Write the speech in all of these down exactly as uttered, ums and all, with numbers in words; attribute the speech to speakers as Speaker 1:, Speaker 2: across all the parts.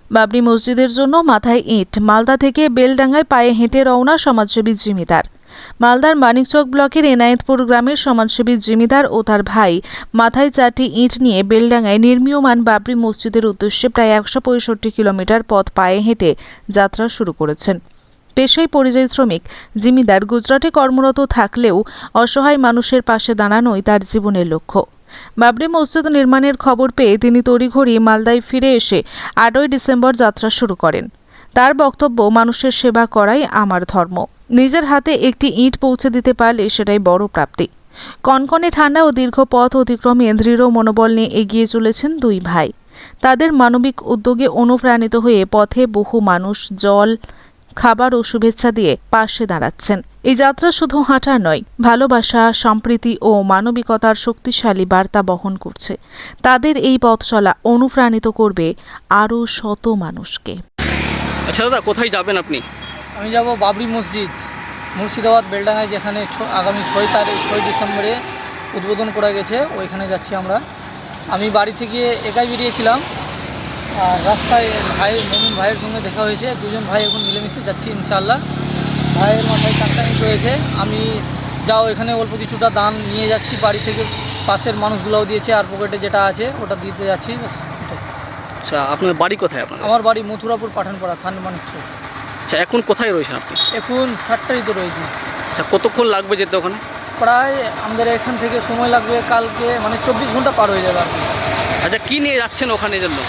Speaker 1: বাবরি মসজিদের জন্য মাথায় ইট, মালদা থেকে বেলডাঙ্গায় পায়ে হেঁটে রওনা সমাজসেবী জিমিদার। মালদার মানিকচক ব্লকের এনায়েতপুর গ্রামের সমাজসেবী জিমিদার ও তার ভাই মাথায় চারটি ইট নিয়ে বেলডাঙ্গায় নির্মীয়মান বাবরি মসজিদের উদ্দেশ্যে প্রায় একশো পঁয়ষট্টি কিলোমিটার পথ পায়ে হেঁটে যাত্রা শুরু করেছেন। পেশায় পরিযায়ী শ্রমিক জিমিদার গুজরাটে কর্মরত থাকলেও অসহায় মানুষের পাশে দাঁড়ানোই তার জীবনের লক্ষ্য। বাবরি মসজিদ নির্মাণের খবর পেয়ে তিনি তড়িঘড়ি মালদায় ফিরে এসে আটই ডিসেম্বর যাত্রা শুরু করেন। তার বক্তব্য, মানুষের সেবা করাই আমার ধর্ম। নিজের হাতে একটি ইট পৌঁছে দিতে পারলে সেটাই বড় প্রাপ্তি। কনকনে ঠান্ডা ও দীর্ঘ পথ অতিক্রমে দৃঢ় মনোবল নিয়ে এগিয়ে চলেছেন দুই ভাই। তাদের মানবিক উদ্যোগে অনুপ্রাণিত হয়ে পথে বহু মানুষ জল, খাবার ও শুভেচ্ছা দিয়ে পাশে দাঁড়াচ্ছেন। এই যাত্রা শুধু হাঁটা নয়, ভালোবাসা, সম্প্রীতি ও মানবিকতার শক্তিশালী বার্তা বহন করছে। তাদের এই পথ চলা অনুপ্রাণিত করবে আরও শত মানুষকে।
Speaker 2: আচ্ছা দাদা, কোথায় যাবেন আপনি?
Speaker 3: আমি যাব বাবরি মসজিদ, মুর্শিদাবাদ বেলডাঙ্গায়, যেখানে আগামী ছয় তারিখ ছয় ডিসেম্বরে উদ্বোধন করা গেছে, ওইখানে যাচ্ছি আমরা। আমি বাড়ি থেকে একাই বেরিয়েছিলাম, আর রাস্তায় ভাই মমিন ভাইয়ের সঙ্গে দেখা হয়েছে। দুজন ভাই এখন মিলেমিশে যাচ্ছি ইনশাআল্লাহ। ভাইয়ের মাথায় চারটা ইট রয়েছে, আমি যাও এখানে অল্প কিছুটা দান নিয়ে যাচ্ছি বাড়ি থেকে, পাশের মানুষগুলোও দিয়েছে, আর পকেটে যেটা আছে ওটা দিতে যাচ্ছি।
Speaker 2: আচ্ছা, আপনার বাড়ি কোথায়? আপনার
Speaker 3: আমার বাড়ি মথুরাপুর পাঠানপাড়া, থানা মানিকচক।
Speaker 2: আচ্ছা, এখন কোথায় রয়েছেন আপনি?
Speaker 3: এখন সাতটারিতে রয়েছি।
Speaker 2: আচ্ছা, কতক্ষণ লাগবে যেতে ওখানে?
Speaker 3: প্রায় আমাদের এখান থেকে সময় লাগবে কালকে, মানে চব্বিশ ঘন্টা পার হয়ে যাবে আর কি।
Speaker 2: আচ্ছা, কি নিয়ে যাচ্ছেন ওখানে জন্য?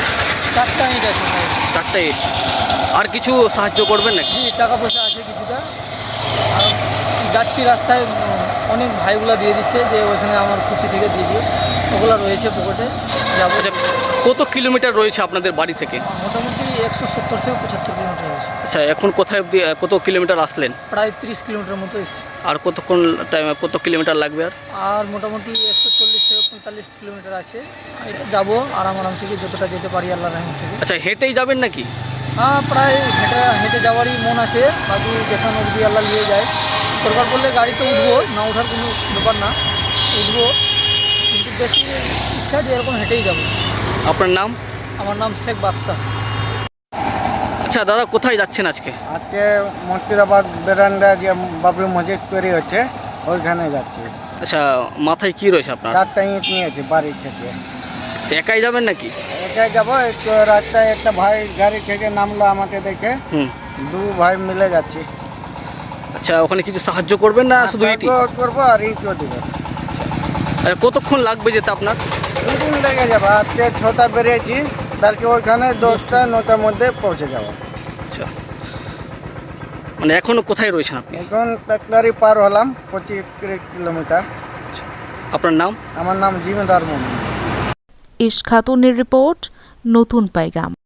Speaker 3: চারটা ইট আছে।
Speaker 2: চারটা ইট। আর কিছু সাহায্য করবেন নাকি?
Speaker 3: জি, টাকা পয়সা আছে কিছুটা। আর যাচ্ছি রাস্তায়, অনেক ভাইগুলা দিয়ে দিচ্ছে যে ওইখানে আমার খুশি থেকে দিয়ে দিও, ওগুলো রয়েছে পকেটে, যাবো।
Speaker 2: আচ্ছা, কত কিলোমিটার রয়েছে আপনাদের বাড়ি থেকে?
Speaker 3: মোটামুটি একশো সত্তর থেকে পঁচাত্তর কিলোমিটার রয়েছে।
Speaker 2: আচ্ছা, এখন কোথায় অবধি কত কিলোমিটার আসলেন?
Speaker 3: প্রায় তিরিশ কিলোমিটার মতো এসেছি।
Speaker 2: আর কতক্ষণ টাইম, কত কিলোমিটার লাগবে? আর
Speaker 3: আর মোটামুটি একশো চল্লিশ থেকে পঁয়তাল্লিশ কিলোমিটার আছে। এটা যাবো আরাম আরাম থেকে, যতটা যেতে পারি আল্লাহর রহমত থেকে।
Speaker 2: আচ্ছা, হেঁটেই যাবেন নাকি?
Speaker 3: হ্যাঁ, প্রায় হেঁটে হেঁটে যাওয়ারই মন আছে, বাকি যেখানে অবধি আল্লাহ নিয়ে যায়। দরকার পড়লে গাড়িতে উঠবো, না ওঠার কোনো ব্যাপার না, উঠবো, কিন্তু বেশি ইচ্ছা যে এরকম হেঁটেই যাবো।
Speaker 2: আপনার নাম?
Speaker 3: আমার নাম শেখ বাদশাহ।
Speaker 2: আচ্ছা দাদা, কোথায় যাচ্ছেন আজকে?
Speaker 4: আজকে মুর্শিদাবাদ বেরান্ডা যে বাবরি মসজিদ তৈরি হচ্ছে, ওইখানে যাচ্ছি।
Speaker 2: আচ্ছা, মাথায় কি রয়েছে আপনার?
Speaker 4: চারটা ইট নিয়েছি বাড়ি থেকে।
Speaker 2: একাই যাবেন নাকি?
Speaker 4: একাই যাবো। একটু রাস্তায় একটা ভাই গাড়ি থেকে নামলো আমাকে দেখে,
Speaker 2: হুম
Speaker 4: দু ভাই মিলে যাচ্ছি।
Speaker 2: আচ্ছা, ওখানে কিছু সাহায্য করবেন না শুধু ইটই?
Speaker 4: করবো আর ইটও দেবো।
Speaker 2: আচ্ছা, কতক্ষণ লাগবে যেতে আপনার?
Speaker 4: দুদিন লেগে যাবো। আজকে ছটা বেরিয়েছি, কালকে ওইখানে দশটা নটার মধ্যে পৌঁছে যাবো।
Speaker 2: আচ্ছা, মানে এখনো কোথায় রয়েছেন আপনি?
Speaker 4: এখন তাকলারি পার হলাম, পঁচিশ কিলোমিটার।
Speaker 2: আপনার নাম?
Speaker 4: আমার নাম জিমিদার মোহাম্মদ।
Speaker 1: ইশ খাতুনের রিপোর্ট, নতুন পাইগাম।